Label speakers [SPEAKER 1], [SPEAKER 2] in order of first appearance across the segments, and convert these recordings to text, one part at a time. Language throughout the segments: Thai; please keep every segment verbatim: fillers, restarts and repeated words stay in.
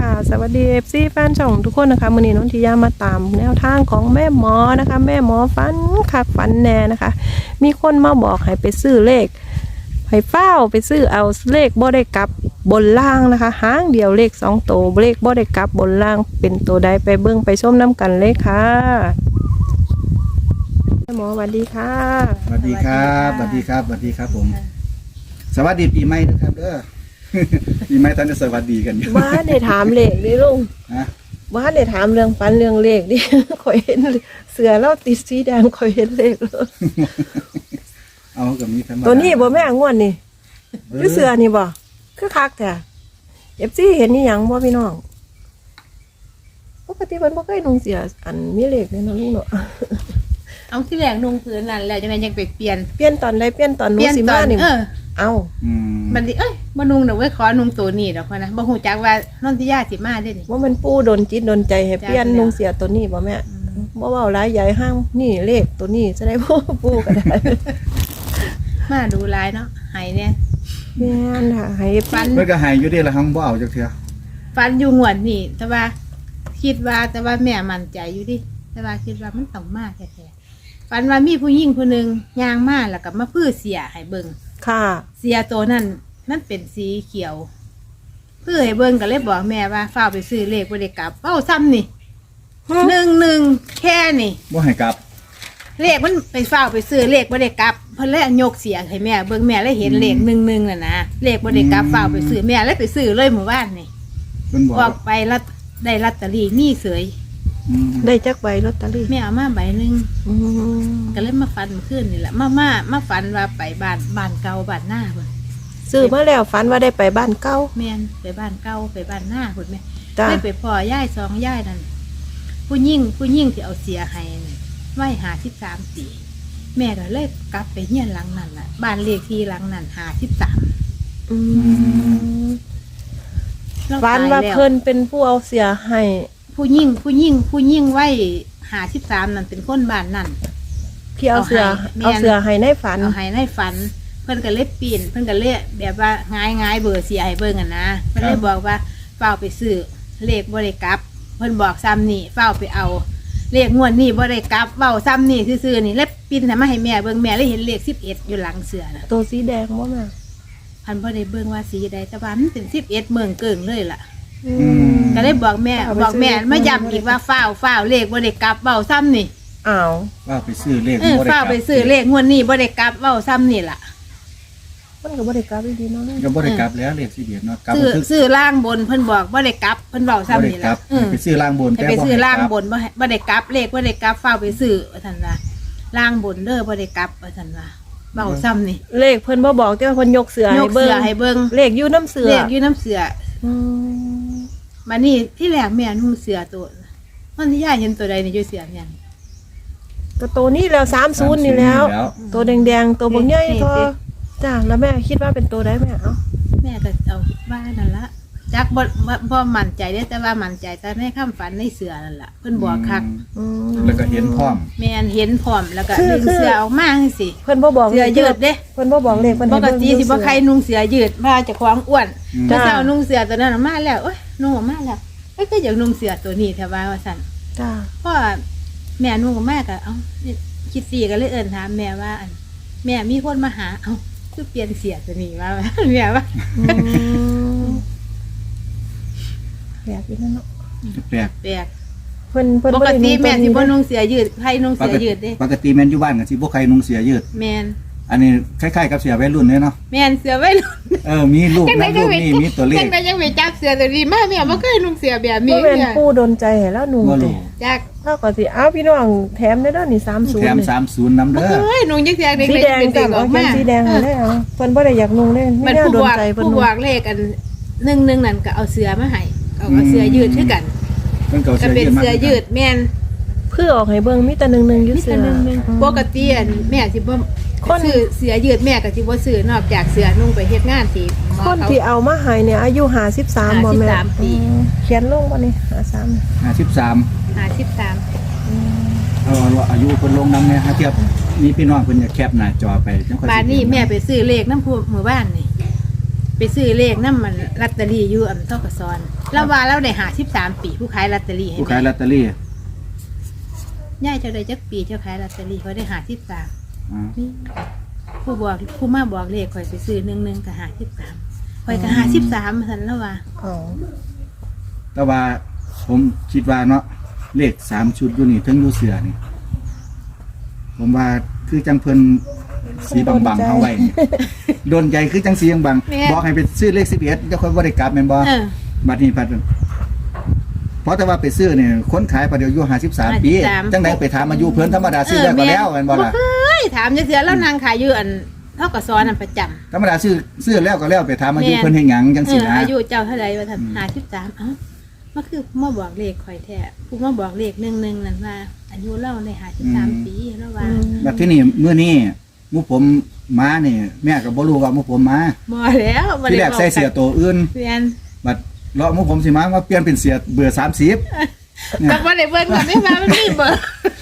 [SPEAKER 1] ค่ะสวัสดี เอฟ ซี แฟนช่องทุกคนนะคะมื้อนี้นนทิยามาตามแนวทางของแม่หมอนะคะแม่หมอฝันคักฝันแน่นะคะมีคนมาบอกให้ไปซื้อเลขให้เฝ้าไปซื้อเอาเลขบ่ได้กลับบนล่างนะคะหางเดียวเลขสองตัวเลขบ่ได้กลับบนล่างเป็นตัวใดไปเบิ่งไปชมน้ำกันเลยค่ะแม่หมอสวัสดีค่ะ
[SPEAKER 2] สวัสดีครับสวัสดีครับสวัสดีครับผมสวัสดีปีใหม่นะครับเด้อ ปีใหม่ท่านจะสวัสดีกันอยู่
[SPEAKER 1] ว่าได้ถามเลขดิลุง
[SPEAKER 2] ฮะ
[SPEAKER 1] ว่าได้ถามเรื่องฝันเรื่องเลขดิ ข่อยเห็นเสือแล้วติดสีแดงข่อยเห็นเลขเลย
[SPEAKER 2] เอากับมีธรรมดา
[SPEAKER 1] ตัวนี้บ่แม่งวนนี่คือเสือนี่บ่คือคักแท้เอฟซีเห็นนี่หยังบ่พี่น้องปกติเพิ่นบ่เคยนุ่งเสียอันมีเลขเลยเนาะลุงเนาะ
[SPEAKER 3] เอาที่แรกนุ่งพื้นนั่นแล้วจังไดยังไปเปลี่ยน
[SPEAKER 1] เปลี่ยนตอนใดเปลี่ยนตอนหนู
[SPEAKER 3] เปลี่ยน
[SPEAKER 1] สิ
[SPEAKER 3] ต
[SPEAKER 1] มา
[SPEAKER 3] อน
[SPEAKER 1] นี่
[SPEAKER 3] เออ
[SPEAKER 1] เอ้า
[SPEAKER 2] อืม
[SPEAKER 3] มันดิเอ้ยบ่นุ่งดอกเว้ยขอนุ่งตัวนี้ดอกพะนะบ่ฮู้จักว่านนทิยาสิมาเด้นี่
[SPEAKER 1] ว่ามันปู่ดนจิตดนใจให้เปลี่ยน
[SPEAKER 3] จ้ะ
[SPEAKER 1] นุ่งเสียตัวนี้บ่แม่บ่เว้าหลายใหญ่ห้างนี่เลขตัวนี้จะได้ บ่ปู่ก็ได้
[SPEAKER 3] มาดูลายเนาะให้เนี่ย
[SPEAKER 1] แม่นค่ะให้
[SPEAKER 3] ฟัน
[SPEAKER 2] เมื่อก็ใหายอยู่เดีละหังบ่เอาจักเทื่อ
[SPEAKER 3] ฟันอยู่งวดนี่แต่ว่าคิดว่าแต่ว่าแม่มั่นใจอยู่ดิแต่ว่าคิดว่ามันต้องมาแท้ๆฟันว่ามีผู้หญิงคนหนึงย่างมาแล้วก็มาพื้อเสียให้เบิ่ง
[SPEAKER 1] ค่ะ
[SPEAKER 3] เสียตัวนั้นมันเป็นสีเขียวเพื่อให้เบิ่งก็เลยบอกแม่ว่าฝ้าวไปซื้อเลขบ่ได้กลับเอ้าซ้ำนี่หนึ่งหนึ่งแค่นี่
[SPEAKER 2] บ่ให้กลับ
[SPEAKER 3] เลขมันไปฝ้าวไปซื้อเลขบ่ได้กลับเพิ่นเลยยกเสียงให้แม่เบิ่งแม่เลยเห็นเลขหนึ่งหนึ่งน่ะนะเลขบ่ได้กลับฝ้าวไปซื้อแม่เลยไปซื้อเลยหมู่บ้านนี่
[SPEAKER 2] เพิ่นบอก
[SPEAKER 3] ออกไปแล้วได้ลอตเตอรี่มีเสย
[SPEAKER 2] อืม
[SPEAKER 1] ได้จักใบลอตเตอรี่
[SPEAKER 3] แม่เอามาใบหนึง
[SPEAKER 1] อืม
[SPEAKER 3] ก็เลยมาฟันเมื่อคืนนี่แหละมามามาฟันว่าไปบ้านบ้านเก่าบ้านหน้าเพิ่น
[SPEAKER 1] ซื้อมาแล้วฝันว่าได้ไปบ้านเก่า
[SPEAKER 3] แม่นไปบ้านเก่าไปบ้านหน้าพุ่นแม่
[SPEAKER 1] จ้า
[SPEAKER 3] ไม่ไปพ่อย่ายสองย่ายนั่นผู้ยิ่งผู้ยิ่งที่เอาเสียให้นั่นไว้หาสิบสามปีแม่ก็เลยกลับไปเฮียนหลังนั้นน่ะบ้านเลขที่หลังนั้นหาสิบสาม
[SPEAKER 1] อืมฝันว่าเพิ่นเป็นผู้เอาเสียให้
[SPEAKER 3] ผู้ยิ่งผู้ยิ่งผู้ยิ่งไว้หาสิบสามนั่นเป็นคนบ้านนั่น
[SPEAKER 1] ที่เอาเสือ
[SPEAKER 3] เอาให้
[SPEAKER 1] เอาเสือให้ในฝัน
[SPEAKER 3] เอาให้ในฝัน เพิ่นก็เลยปีนเพิ่นก็เลยแบบว่าง่ายง่ายเบอร์เสียให้เบิ่งอ่ะนะเพิ่นเลยบอกว่าเฝ้าไปซื้อเลขบ่ได้กลับ เพิ่นบอกซ้ำนี่เฝ้าไปเอาเลขงวดนี้บ่ได้กลับเว้าซ้ำนี่ซื่อๆนี่แล้วปีนให้มาให้แม่เบิ่งแม่เลยเห็นเลขสิบเอ็ดอยู่หลังเสือน่ะ
[SPEAKER 1] ตัวสีแดงบ่แม่
[SPEAKER 3] พันบ่ได้เบิ่งว่าสีใดแต่ว่ามันเป็นสิบเอ็ดเมืองเกิ่งเลยล่ะ
[SPEAKER 1] อืม
[SPEAKER 3] ก็เลยบอกแม่
[SPEAKER 1] เอาไป
[SPEAKER 3] บอกแม่
[SPEAKER 1] ซื้อ
[SPEAKER 3] มาย้ำอีกว่าเฝ้าเฝ้าเลขบ่ได้กลับเว้าซ้ำนี่
[SPEAKER 1] อ้าว
[SPEAKER 2] ว่าไปซื้อเลข
[SPEAKER 3] เออ
[SPEAKER 2] บ่ด้
[SPEAKER 3] เฝ้าก
[SPEAKER 2] ลับ
[SPEAKER 3] ไปซื้อเลขงวดนี้บ่ได้กลับเว้าซ้ำนี่ล่ะ
[SPEAKER 1] มันก็บ่ได้กลับดีเนาะ
[SPEAKER 2] ก็บ่ได้กลับแล้วเลขสิเดียดเนาะกลับ
[SPEAKER 3] ซื้อ
[SPEAKER 2] คือ
[SPEAKER 3] ซื้อล่างบนเพิ่นบอกบ่ได้กลับเพิ่นเว้า
[SPEAKER 2] บ่
[SPEAKER 3] ซ้ำ
[SPEAKER 2] ได้
[SPEAKER 3] นี่
[SPEAKER 2] กลั
[SPEAKER 3] ล่ะ
[SPEAKER 2] บ
[SPEAKER 3] เออ
[SPEAKER 2] ไปซื้อล่างบน
[SPEAKER 3] ให้ไปซื้อล่างบ
[SPEAKER 2] น
[SPEAKER 3] นบ่ให้บ่ได้กลับเลขบ่ได้กลับเฝ้าไปซื้อว่าซั่นว่าล่างบนเด้อบ่ได้กลับว่าซั่นว่าเว้าซ้ำนี่
[SPEAKER 1] เลขเพิ่นบ่บอกแต่ว่าเพิ่นยกเสือย ให้
[SPEAKER 3] ก
[SPEAKER 1] เบิ่
[SPEAKER 3] เสื
[SPEAKER 1] ง
[SPEAKER 3] อให้เบิ่ง
[SPEAKER 1] เลขอยู่น้ำเสือ
[SPEAKER 3] เลขอยู่น้ำเสือ
[SPEAKER 1] อืม
[SPEAKER 3] มานี่ที่แรกแม่นุ่งเสือตัวมันที่ย่าเห็นตัวใดในอยู่เสือเนี่ย
[SPEAKER 1] ก็ตัวนี้แล้วสามสิบนี่แล้ว
[SPEAKER 2] แล้ว
[SPEAKER 1] ตัวแดงๆตัวบ่ใหญ่
[SPEAKER 3] นี่
[SPEAKER 1] ก็
[SPEAKER 3] สิ
[SPEAKER 1] จ้าแล้วแม่คิดว่าเป็นตัวใดแม่เอ้า
[SPEAKER 3] แม่ก็เอาว่านั่นละจักบ่บ่บ่มั่นใจเด้อแต่ว่ามั่นใจแต่ในคำฝันในเสือนั่นล่ะเพิ่นบอกคัก
[SPEAKER 1] อืม
[SPEAKER 2] แล้วก็เห็นพร้อม
[SPEAKER 3] แม่นเห็นพร้อมแล้วก็
[SPEAKER 1] คือ
[SPEAKER 3] ดึง
[SPEAKER 1] คือ
[SPEAKER 3] เสือออกมาจังซี่
[SPEAKER 1] เพิ่นบ่บอก
[SPEAKER 3] เสือยืดเด้
[SPEAKER 1] เพิ่นบ่บอกเลขเพิ่น
[SPEAKER 3] ป
[SPEAKER 1] ให้
[SPEAKER 3] ก
[SPEAKER 1] เบิ่ง
[SPEAKER 3] ติสิบ่ใครนุ่งเสือยืดว่าเจะควางอ้วน
[SPEAKER 2] อืม
[SPEAKER 3] ถ้าเจ้านุ่งเสือตัวนั้นออกมาแล้วโอ๊ยนุ่งออกมาแล้วเอ้ยก็อยากนุ่งเสือตัวนี้แต่ว่าว่าซั่น
[SPEAKER 1] จ้า
[SPEAKER 3] เพราะว่าแม่นุ่งออกมาก็เอ้าคิดสีก็เลยเอิ้นถามแม่ว่าอันแม่มีคนมาหาเอ้าคือเปลี่ยนเสียตัวนี้ว่า แม่ว่า
[SPEAKER 1] อืมแบบนี้เนาะ
[SPEAKER 2] แปลก
[SPEAKER 3] แปลก
[SPEAKER 1] เพิ่นเพิ่น
[SPEAKER 3] ป
[SPEAKER 1] บ่
[SPEAKER 3] ก
[SPEAKER 1] ได้
[SPEAKER 3] ติ
[SPEAKER 1] นุ่ง
[SPEAKER 3] แม่
[SPEAKER 1] ตัว
[SPEAKER 3] สิ
[SPEAKER 1] นี้
[SPEAKER 3] บ่
[SPEAKER 1] เด้
[SPEAKER 3] นุ่งเสือยืดให้นุ่ง
[SPEAKER 2] ป
[SPEAKER 3] เสือก
[SPEAKER 2] ติ
[SPEAKER 3] ยืดเด้
[SPEAKER 2] ปกติแม่นอยู่บ้านก็สิบ่ใครนุ่งเสียยืด
[SPEAKER 3] แม่น
[SPEAKER 2] อันนี้คล้ายๆกับเสียวัยรุ่นเนี่ยเนาะ
[SPEAKER 3] แม่นเสือไว้รุ่น
[SPEAKER 2] เออมีรูป
[SPEAKER 3] จังได๋
[SPEAKER 2] นำรูปนี่มีตัวเล
[SPEAKER 3] จั
[SPEAKER 2] ข
[SPEAKER 3] งได๋ยังไปจับเสือตัวนี้มาแม่บ่เคยนุ่งเสือแบบ
[SPEAKER 1] บ่
[SPEAKER 3] นี้
[SPEAKER 1] แม่น
[SPEAKER 3] เนี่ย
[SPEAKER 1] ปู่ดนใจให้แล้วนุ่ง
[SPEAKER 2] บ่
[SPEAKER 1] ติ
[SPEAKER 2] รู้
[SPEAKER 3] จัก
[SPEAKER 1] เฮาก็สิอ้าวพี่น้องแถมได้เด้อนี่สามสิบ
[SPEAKER 2] แถม
[SPEAKER 1] นี่
[SPEAKER 2] สามสิบนำ
[SPEAKER 3] บ่
[SPEAKER 2] เด้อ
[SPEAKER 3] เคยนุ่งจักเสือเด็ก
[SPEAKER 1] สี
[SPEAKER 3] ๆ
[SPEAKER 1] แดง
[SPEAKER 3] เป็น
[SPEAKER 1] จ้ะ
[SPEAKER 3] เด็กอ
[SPEAKER 1] เอา
[SPEAKER 3] อก
[SPEAKER 1] เขีย
[SPEAKER 3] มาน
[SPEAKER 1] สีแดงให้ได้เอาเพิ่นบ่ได้อยากนุ่งเด้
[SPEAKER 3] มัน
[SPEAKER 1] แนว
[SPEAKER 3] ผู้
[SPEAKER 1] โด
[SPEAKER 3] บ
[SPEAKER 1] น
[SPEAKER 3] วก
[SPEAKER 1] ใจเพิ่น
[SPEAKER 3] ผู้
[SPEAKER 1] นุ่
[SPEAKER 3] บ
[SPEAKER 1] ง
[SPEAKER 3] วกเลขกันหนึ่งหนึ่งนั่นก็เอาเสือมาให้เอาเอาเสือยืดคือกัน
[SPEAKER 2] เพิ่นก็เอา
[SPEAKER 3] ก็
[SPEAKER 2] เสื้อ
[SPEAKER 3] เป็น
[SPEAKER 2] ยืดมา
[SPEAKER 3] เสือยืดแม่น
[SPEAKER 1] เพื่อออกให้เบิ่งมีแต่หนึ่งๆอยู่
[SPEAKER 3] มี
[SPEAKER 1] เสื
[SPEAKER 3] แต่
[SPEAKER 1] อ
[SPEAKER 3] หนึ่งหนึ่งปกติอันแม่สิบ่
[SPEAKER 1] คน
[SPEAKER 3] ซื้อเสือยืดแม่ก็สิบ่ซื้อนอกจากเสือนุ่งไปเฮ็ดงานที่หมอ
[SPEAKER 1] คน
[SPEAKER 3] เขา
[SPEAKER 1] ที่เอามาให้เนี่ยอายุห้าสิบสามบ่แม่
[SPEAKER 3] ห้าสิบสามปี
[SPEAKER 1] อืมเขียนลงบ่นี่ห้าสิบสาม
[SPEAKER 2] ห้าสิบสาม
[SPEAKER 3] หาสิบสาม
[SPEAKER 2] เอาเอาอายุเพิ่นลงนำเนี่ยฮะเทียบมีพี่น้องเพิ่นอยากแคปหน้าจอไปจังค่อยสิ
[SPEAKER 3] บ้านนี้
[SPEAKER 2] เห็
[SPEAKER 3] แม่ไปซื้อเลขน้ำผู้หมู่บ้านนี่ไปซื้อเลขน้ำมันลอตเตอรี่อยู่อำเภอกระซอนแล้วว่าเราได้หาสิบสามปีผู้ขายลอตเตอรี่ให้
[SPEAKER 2] ผู้ขาย
[SPEAKER 3] แม่
[SPEAKER 2] ลอตเตอรี่
[SPEAKER 3] ย่ายเจ้าได้จักปีเจ้าขายลอตเตอรี่เขาได้หาสิบสาม
[SPEAKER 2] อ่า
[SPEAKER 3] นี่ผู้บอกผู้มาบอกเลขข่อยไปซื้อหนึ่งหนึ่งกับหาสิบสามข่อยกับหาสิบสามสันแล้วว่า
[SPEAKER 1] อ๋อ
[SPEAKER 2] แต่ว่าผมคิดว่าเนาะเลขสามชุดอยู่นี่ทั้งอยู่เสือนี่ผมว่าคือจังเพิ่นสีบางๆเอาไว้นี่โดนใจคือจังสีบางๆบอกให้ไปซื้อเลขสิบเอ็ดเจ้าคนบ่ได้กลับแม่นบ่
[SPEAKER 3] เออ
[SPEAKER 2] บัดนี้พัดเพราะแต่ว่าไปซื้อเนี่ยคนขายประเดี๋ยวอายุห้าสิบสามปี
[SPEAKER 3] ห้าสิบสาม
[SPEAKER 2] จังไดไปถามอายุเพิ่นธรรมดาซื้อแล้วก็แล้วแม่นบ่ล่ะ
[SPEAKER 3] เฮ้ยถามจังเสียแล้วนางขายอยู่อันเท่ากับซ้อนอันประจำ
[SPEAKER 2] ธรรมดาซื้อซื้อแล้วก็แล้วไปถามอายุ
[SPEAKER 3] แม่น
[SPEAKER 2] เพิ่นเฮ็ดหยังจัง
[SPEAKER 3] เอ
[SPEAKER 2] ซี่
[SPEAKER 3] อ
[SPEAKER 2] นะ
[SPEAKER 3] อายุเจ้าเท่าไรว่าท่านหาสิบสามเอ้ามันคือมาบอกเลขข่อยแท้ผู้มาบอกเลขหนึ่งหนึ่งนั่นว่าอายุเล่าในหาสิบสามปีแล้วว่า
[SPEAKER 2] บัดที่นี่มื้อนี้หมู่ผมมานี่แม่ก็บ่รู้ว่าหมู่ผมมา
[SPEAKER 3] บ่แล้วบ่
[SPEAKER 2] ที่
[SPEAKER 3] ได้
[SPEAKER 2] แรกใส่เสื้อตัวอื่น
[SPEAKER 3] เปลี่ยน
[SPEAKER 2] บัดเลาะหมู่ผมสิมามาเปลี่ยนเป็นเสื้อเบอร์สามสิบ
[SPEAKER 3] ก็บ่ได้เบิ่งว่าไม่มามันมีเบอร์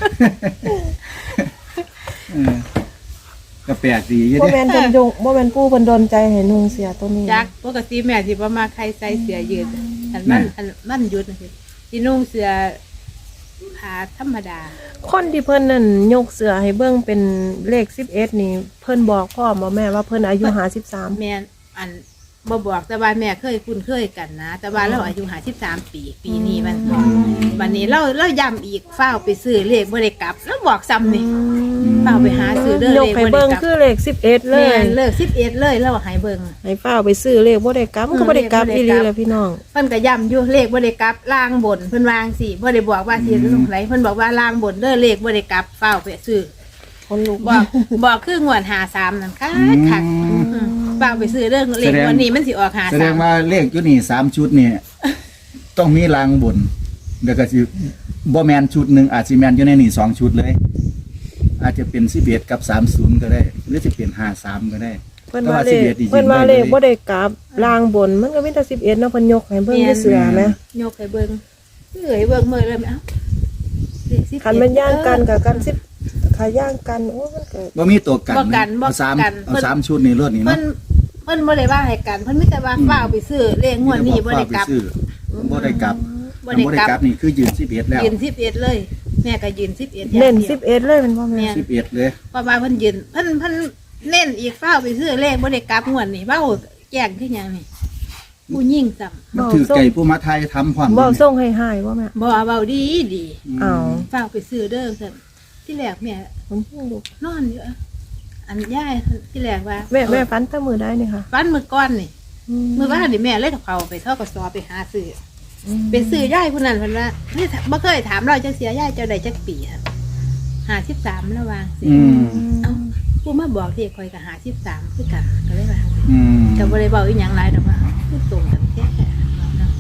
[SPEAKER 2] เออก็แปลกดีอยู่
[SPEAKER 1] บ่
[SPEAKER 2] เด้
[SPEAKER 1] แม่นเพิ่นยงบ่แม่นปู่เพิ่นดนใจให้นุ่งเสียตัวนี้
[SPEAKER 3] จักปกติแม่สิบ่มาใครใส่เสื้อยืดอันมันอันมันหยุดนะสิสินุ่งเสื้อผ้าธรรมดา
[SPEAKER 1] คนที่เพิ่นนั่นยกเสือให้เบิ่งเป็นเลขสิบเอ็ดนี่เพิ่นบอกพ่อบ่แม่ว่าเพิ่นอายุห้าสิบสาม
[SPEAKER 3] แม่นอันบ่บอกแต่ว่าแม่เคยคุ้นเคยกันนะ แต่ว่าเราอายุห้าสิบสามปี ปีนี้มันวันนี้เราเราย้ำอีกฟ้าวไปซื้อเลขบ่ได้กลับ แล้วบอกซ้ำนี่ฟ้าวไปหาซื้อเด้อย เล
[SPEAKER 1] ก
[SPEAKER 3] ข
[SPEAKER 1] ให้
[SPEAKER 3] บ่ได้
[SPEAKER 1] เบิ่ง
[SPEAKER 3] กลับ
[SPEAKER 1] คือเลขสิบเอ็ดเล
[SPEAKER 3] แม่
[SPEAKER 1] ย
[SPEAKER 3] นเลิกสิบเอ็ดเลยเราให้เบิ่ง
[SPEAKER 1] ให้ฟ้าวไปซื้อเลขบ่ได้กลับมันก็บ่ได้กลับ
[SPEAKER 3] เลขบ่ได้
[SPEAKER 1] อีห
[SPEAKER 3] กลั
[SPEAKER 1] ลี
[SPEAKER 3] บ
[SPEAKER 1] แหละพี่น้อง
[SPEAKER 3] เพิ่นก็ย้ำอยู่เลขบ่ได้กลับล่างบนเพิ่นวางสิบ่ได้บอกว่าสิลงไหลเพิ่นบอกว่าล่างบนเด้อเลขบ่ได้กลับฟ้าวไปซื้อ
[SPEAKER 1] คนลุก
[SPEAKER 3] บอกบอกคืองวดห้าสามนั่นคักคักฟ้าวไปซื้อเด้อเลขวันนี้มันสิออกห้า
[SPEAKER 2] แสด
[SPEAKER 3] สาง ม
[SPEAKER 2] ว่าเลขอยู่นี่สามชุดนี่ ต้องมีรางบนเดี๋ยวก็สิบ่แม่นชุดหนึงอาจสิแม่นอยู่ในนี่สองชุดเลย อาจจะเป็นสิบเอ็ดกับสามสิบก็ได้ หรือจะเป็นห้าสิบสามก็ได้
[SPEAKER 1] เพิ่นว่าเลขเพิ่นว่าเลขบ่ได้กลับลางบนมันก็มีแต่สิบเอ็ดเนาะเพิ่นยกให้เบิ่งที่เสือแหม
[SPEAKER 3] ยกให้เบิ่งเอ้ยเบิ่งมื้อเลยแม่เอ้าเลขสิบเอ็ด
[SPEAKER 1] คันมันย่างกันกับกันสิบขาย่างกันโอ้มันเกิด
[SPEAKER 2] บ่มีตัวกัน
[SPEAKER 3] บ่กันบ่
[SPEAKER 2] เอาสาม
[SPEAKER 3] กัน
[SPEAKER 2] เอาสามชุดนี่รถนี่
[SPEAKER 3] เพิ่
[SPEAKER 2] เนาะ
[SPEAKER 3] นเพิ่นบ่ได้ว่าให้กันเพิ่นมีแต่ว่าฟ้าวไปซื้อเลขงวดนี้บ่ได้กลับ
[SPEAKER 2] ซื้อบ่ได้กลับ
[SPEAKER 3] บ่ได้กลับ
[SPEAKER 2] บ่ได้กลับนี่คือยืนสิบเอ็ดแล้ว
[SPEAKER 3] ยืนสิบเอ็ดเลย แม่ก็ยืนสิบเอ็ด
[SPEAKER 1] เน้นสิบเอ็ดเลยเป็นบ่แม่
[SPEAKER 2] สิบเอ็ดเลย
[SPEAKER 3] เพราะว่าเพิ่นยืนเพิ่นเพิ่นเน้นอีกฟ้าวไปซื้อเลขบ่ได้กลับงวดนี้เว้าแจ้งคือหยังนี่ผู้ยิ่งซ้ำ
[SPEAKER 2] มันถือไก่ผู้มาไทยทำความ
[SPEAKER 1] บ่ส่งให้หายบ่แม่
[SPEAKER 3] บ่เว้าดีดี
[SPEAKER 1] อ้าว
[SPEAKER 3] ฟ้าวไปซื้อเด้อซั่นที่แรกแม่
[SPEAKER 1] ผมเพิ่งดู
[SPEAKER 3] นอนอยู่อะอันยายที่แรกว่า
[SPEAKER 1] แม่แม่ฟันแตะมือได้นี่ค่ะ
[SPEAKER 3] ฟันมื้อก่อนนี่มื้อว่านนี่แม่เลยกับเขาไปเท่ากับซอไปหาซื้อไปซื้อยายผู้นั้นเพิ่นว่าเฮ้ยบ่เคยถามเราจักเสียยายเจ้าได้จักปีอะห้าสิบสามแล้ววางสิ
[SPEAKER 2] อืม
[SPEAKER 3] เอ้าผู้มาบอกที่คอยกับหาสิบสามคือกันก็เลยว่า
[SPEAKER 2] อืม
[SPEAKER 3] แต่บ่ได้เว้าอีหยังหลายดอกว่าคือตรงกันแท้ๆเนาะ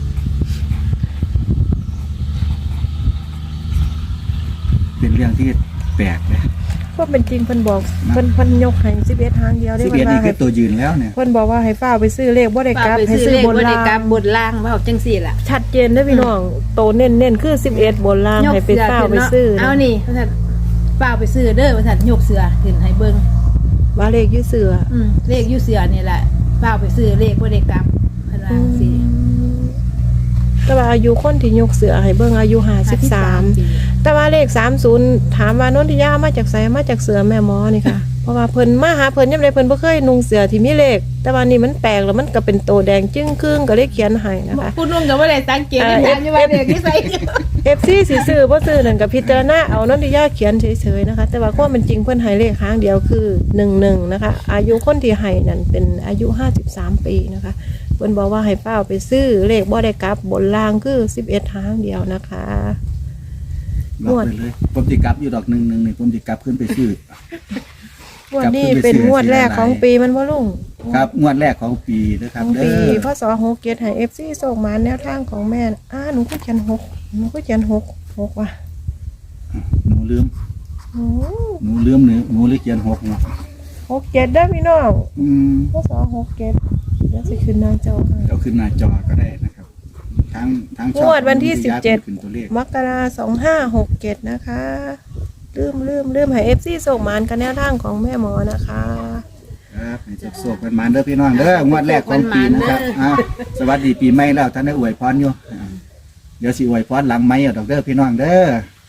[SPEAKER 2] เป็นเรื่องที่แปลกเลย
[SPEAKER 1] พวกเป็นจริงเพิ่นบอกเพิ่นเพิ่นยกให้สิบเอ็ดหางเดียวได้
[SPEAKER 2] สิบ
[SPEAKER 1] เพิ่
[SPEAKER 2] เอ็ด
[SPEAKER 1] นว่า
[SPEAKER 2] นี่คื
[SPEAKER 1] ให้
[SPEAKER 2] อตัวยืนแล้วเนี่ย
[SPEAKER 1] เพิ่นบอกว่าให้ฟ้าวไปซื้อเลขบ่ได้กลับ
[SPEAKER 3] ไป
[SPEAKER 1] ให้
[SPEAKER 3] ซื้อ
[SPEAKER 1] ซื้อ
[SPEAKER 3] เลข
[SPEAKER 1] บน
[SPEAKER 3] บ่ได้
[SPEAKER 1] ล่าง
[SPEAKER 3] กลับบนล่างเว้าจังซี่ล่ะ
[SPEAKER 1] ชัดเจนเด้อพี่น้องโตเน้นๆคือสิบเอ็ดบนล่างให้ไปฟ้าวไปซื้อ
[SPEAKER 3] เอา
[SPEAKER 1] นะ
[SPEAKER 3] นี่ว่าซั่นฟ้าวไปซื้อเด้อว่าซั่นยกเสือขึ้นให้เบิ่ง
[SPEAKER 1] ว่าเลขอยู่เสือ
[SPEAKER 3] อืมเลขอยู่เสือนี่แหละฟ้าวไปซื้อเลขบ่ได้กลับเพิ่นว่าจังซี่
[SPEAKER 1] แต่ว่าอายุคนที่ยกเสือให้เบิ่งอายุห้าสิบสาม
[SPEAKER 3] ปี
[SPEAKER 1] แต่ว่าเลขสามสิบถามว่านนทิยามาจากไสมาจากเสือแม่หมอนี่ค่ะ เพราะว่าเพิ่นมาหาเพิ่นยามใดเพิ่นบ่เคยนุ่งเสือที่มีเลข แต่ว่านี่มันแปลกแล้วมันก็เป็นโตแดงจึ้งครึ่งก็เลยเขียนให้นะคะ
[SPEAKER 3] ผู้นุ่งก็บ่ได้สังเกตที่ถามอยู่ว่าเลขที่ใส่
[SPEAKER 1] เอฟซีสิซื้อบ่ซื้อนั่นก็พิจารณาเอานนทิยาเขียนเฉยๆนะคะ แต่ว่าความเป็นจริงเพิ่นให้เลขครั้งเดียวคือหนึ่งหนึ่งนะคะ อายุคนที่ให้นั่นเป็นอายุห้าสิบสามปีนะคะเพิ่นบอกว่าให้เป้าไปซื้อเลขบ่ได้กลับบนล่างคือสิบเอ็ดหางเดียวนะคะ
[SPEAKER 2] บอกไปเลยผมติกลับอยู่ดอกหนึ่งหนึ่งนี่ผมติกลับขึ้นไปซื้อ
[SPEAKER 1] งวดนี้เป็นงวดแรกของปีมันบ่ลุง
[SPEAKER 2] ครับงวดแรกของปีนะครับ
[SPEAKER 1] ของ
[SPEAKER 2] เด้
[SPEAKER 1] ปี
[SPEAKER 2] อ
[SPEAKER 1] พศหกเจ็ดให้เอฟซีส่งมาแนวทางของแม่น่ะอ้าหนูก็เขียนหกหนูก็เขียนหกหกว่ะ
[SPEAKER 2] หนูลืม
[SPEAKER 1] โอ้
[SPEAKER 2] หนูลืมหนูหนูเลยเขียนหกเนาะ
[SPEAKER 1] หกเจ็ดได้อพี่น้อง
[SPEAKER 2] อืม
[SPEAKER 1] พศหกเจ็ดเดี๋ยวสิขึ้นหน้าจอให้
[SPEAKER 2] เอาขึ้นหน้าจอก็ได้นะครับทั้งทั้งช่อง
[SPEAKER 1] งวดวันที่สิบเจ็ด
[SPEAKER 2] ขึ้นตัวเลข
[SPEAKER 1] มกราสองห้าหกเจ็ดนะคะลืมลืมลืมให้เอฟซีส่งมานกันแนวทางของแม่หมอนะคะ
[SPEAKER 2] ครับให้โศกกันมาเด้อพี่น้องเด้องวดแรกของปีนะครับอ่าสวัสดีปีใหม่แล้วท่านได้อวยพรอยู่อ่าเดี๋ยวสิอวยพรหลังไม้เอาดอกเด้อพี่น้องเด้อ